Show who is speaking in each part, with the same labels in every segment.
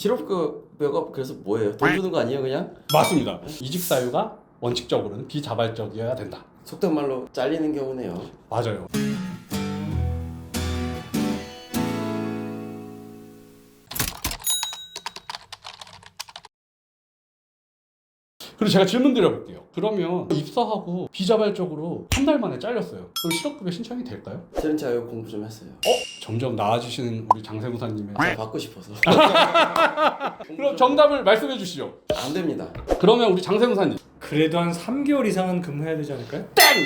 Speaker 1: 실업급여가 그래서 뭐예요? 돈 주는 거 아니에요 그냥?
Speaker 2: 맞습니다. 이직 사유가 원칙적으로는 비자발적이어야 된다.
Speaker 1: 속된 말로 잘리는 경우네요.
Speaker 2: 맞아요. 그리고 제가 질문 드려볼게요. 그러면 입사하고 비자발적으로 한 달 만에 잘렸어요. 그럼 실업급여 신청이 될까요?
Speaker 1: 트렌치하여 공부 좀 했어요.
Speaker 2: 점점 나아지시는 우리 장세무사님의
Speaker 1: 제가 받고 싶어서.
Speaker 2: 그럼 정답을 말씀해 주시죠.
Speaker 1: 안 됩니다.
Speaker 2: 그러면 우리 장세무사님
Speaker 3: 그래도 한 3개월 이상은 근무해야 되지 않을까요?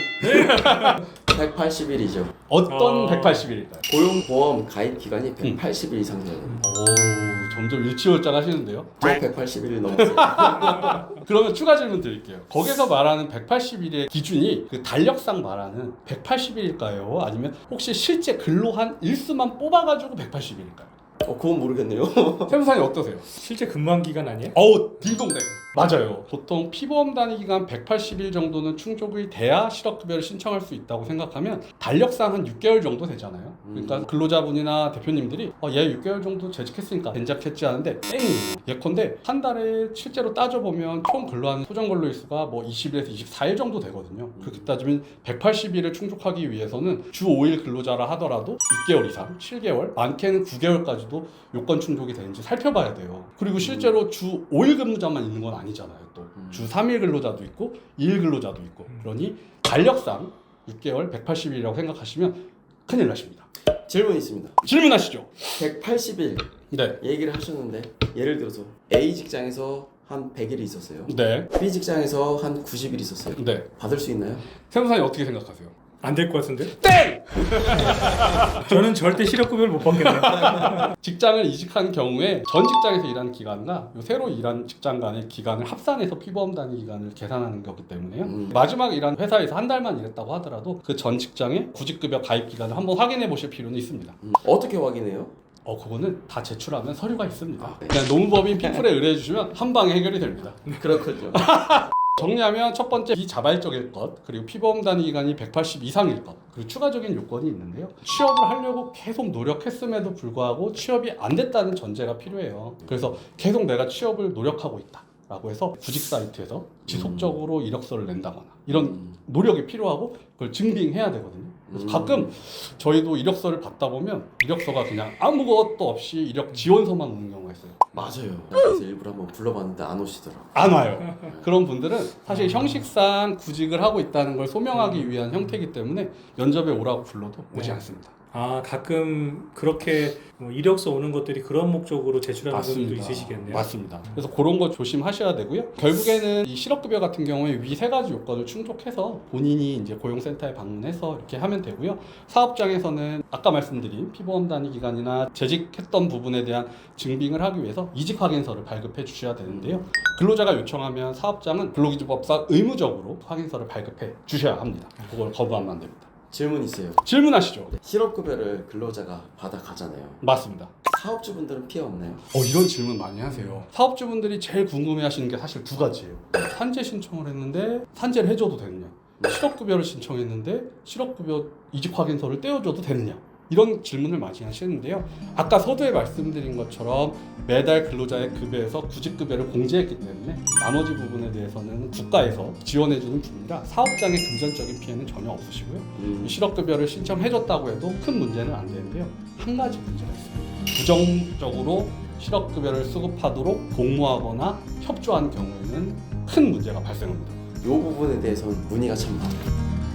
Speaker 1: 180일이죠.
Speaker 2: 어떤 180일일까요?
Speaker 1: 고용보험 가입 기간이 180일 이상 돼요.
Speaker 2: 오, 점점 일치월장 하시는데요.
Speaker 1: 저 180일 넘었어요.
Speaker 2: 그러면 추가 질문 드릴게요. 거기서 말하는 180일의 기준이 그 달력상 말하는 180일일까요? 아니면 혹시 실제 근로한 일수만 뽑아가지고 180일일까요?
Speaker 1: 그건 모르겠네요.
Speaker 2: 세무사님 어떠세요?
Speaker 3: 실제 근무한 기간 아니에요?
Speaker 2: 어우, 딩동댕. 맞아요. 보통 피보험 단위 기간 180일 정도는 충족이 돼야 실업급여를 신청할 수 있다고 생각하면 달력상 한 6개월 정도 되잖아요. 그러니까 근로자분이나 대표님들이 얘 6개월 정도 재직했으니까 된작했지 하는데 땡이에요. 예컨대 한 달에 실제로 따져보면 총 근로한 소정근로일수가 뭐 20일에서 24일 정도 되거든요. 그렇게 따지면 180일을 충족하기 위해서는 주 5일 근로자라 하더라도 6개월 이상, 7개월, 많게는 9개월까지도 요건 충족이 되는지 살펴봐야 돼요. 그리고 실제로 주 5일 근무자만 있는 건 아니잖아요. 또 주 3일 근로자도 있고 2일 근로자도 있고 그러니 달력상 6개월 180일이라고 생각하시면 큰일 나십니다.
Speaker 1: 질문 있습니다.
Speaker 2: 질문하시죠.
Speaker 1: 180일
Speaker 2: 네.
Speaker 1: 얘기를 하셨는데 예를 들어서 A 직장에서 한 100일 있었어요.
Speaker 2: 네.
Speaker 1: B 직장에서 한 90일 있었어요.
Speaker 2: 네.
Speaker 1: 받을 수 있나요?
Speaker 2: 세무사님 어떻게 생각하세요?
Speaker 3: 안 될 것 같은데?
Speaker 2: 땡!
Speaker 3: 저는 절대 실업급여를 못 받겠네요.
Speaker 2: 직장을 이직한 경우에 전 직장에서 일하는 기간과 요 새로 일한 직장 간의 기간을 합산해서 피보험 단위 기간을 계산하는 거기 때문에요. 마지막 일한 회사에서 한 달만 일했다고 하더라도 그 전 직장의 구직급여 가입 기간을 한번 확인해 보실 필요는 있습니다.
Speaker 1: 어떻게 확인해요?
Speaker 2: 그거는 다 제출하면 서류가 있습니다.
Speaker 1: 네.
Speaker 2: 그냥 노무법인 피플에 의뢰해 주시면 한 방에 해결이 됩니다.
Speaker 1: 그렇군요.
Speaker 2: 정리하면 첫 번째 비자발적일 것, 그리고 피보험 단위 기간이 180 이상일 것, 그리고 추가적인 요건이 있는데요. 취업을 하려고 계속 노력했음에도 불구하고 취업이 안 됐다는 전제가 필요해요. 그래서 계속 내가 취업을 노력하고 있다 라고 해서 구직 사이트에서 지속적으로 이력서를 낸다거나 이런 노력이 필요하고 그걸 증빙해야 되거든요. 그래서 가끔 저희도 이력서를 받다 보면 이력서가 그냥 아무것도 없이 이력 지원서만 오는 경우가 있어요.
Speaker 1: 맞아요. 그래서 일부러 한번 불러봤는데 안 오시더라고요.
Speaker 2: 안 와요. 그런 분들은 사실 형식상 구직을 하고 있다는 걸 소명하기 위한 형태이기 때문에 면접에 오라고 불러도 오지 않습니다.
Speaker 3: 아, 가끔 그렇게 뭐 이력서 오는 것들이 그런 목적으로 제출하는 분들도 있으시겠네요.
Speaker 2: 맞습니다. 그래서 그런 거 조심하셔야 되고요. 결국에는 이 실업급여 같은 경우에 위 세 가지 요건을 충족해서 본인이 이제 고용센터에 방문해서 이렇게 하면 되고요. 사업장에서는 아까 말씀드린 피보험 단위 기간이나 재직했던 부분에 대한 증빙을 하기 위해서 이직 확인서를 발급해 주셔야 되는데요. 근로자가 요청하면 사업장은 근로기준법상 의무적으로 확인서를 발급해 주셔야 합니다. 그걸 거부하면 안 됩니다.
Speaker 1: 질문 있어요.
Speaker 2: 질문하시죠.
Speaker 1: 실업급여를 근로자가 받아가잖아요.
Speaker 2: 맞습니다.
Speaker 1: 사업주분들은 피해 없나요?
Speaker 2: 이런 질문 많이 하세요. 사업주분들이 제일 궁금해하시는 게 사실 두 가지예요. 산재 신청을 했는데 산재를 해줘도 되느냐? 실업급여를 신청했는데 실업급여 이직 확인서를 떼어줘도 되느냐? 이런 질문을 많이 하시는데요. 아까 서두에 말씀드린 것처럼 매달 근로자의 급여에서 구직급여를 공제했기 때문에 나머지 부분에 대해서는 국가에서 지원해주는 분이라 사업장의 금전적인 피해는 전혀 없으시고요. 실업급여를 신청해줬다고 해도 큰 문제는 안 되는데요. 한 가지 문제가 있습니다. 부정적으로 실업급여를 수급하도록 공모하거나 협조한 경우에는 큰 문제가 발생합니다.
Speaker 1: 이 부분에 대해서는 문의가 참 많아요.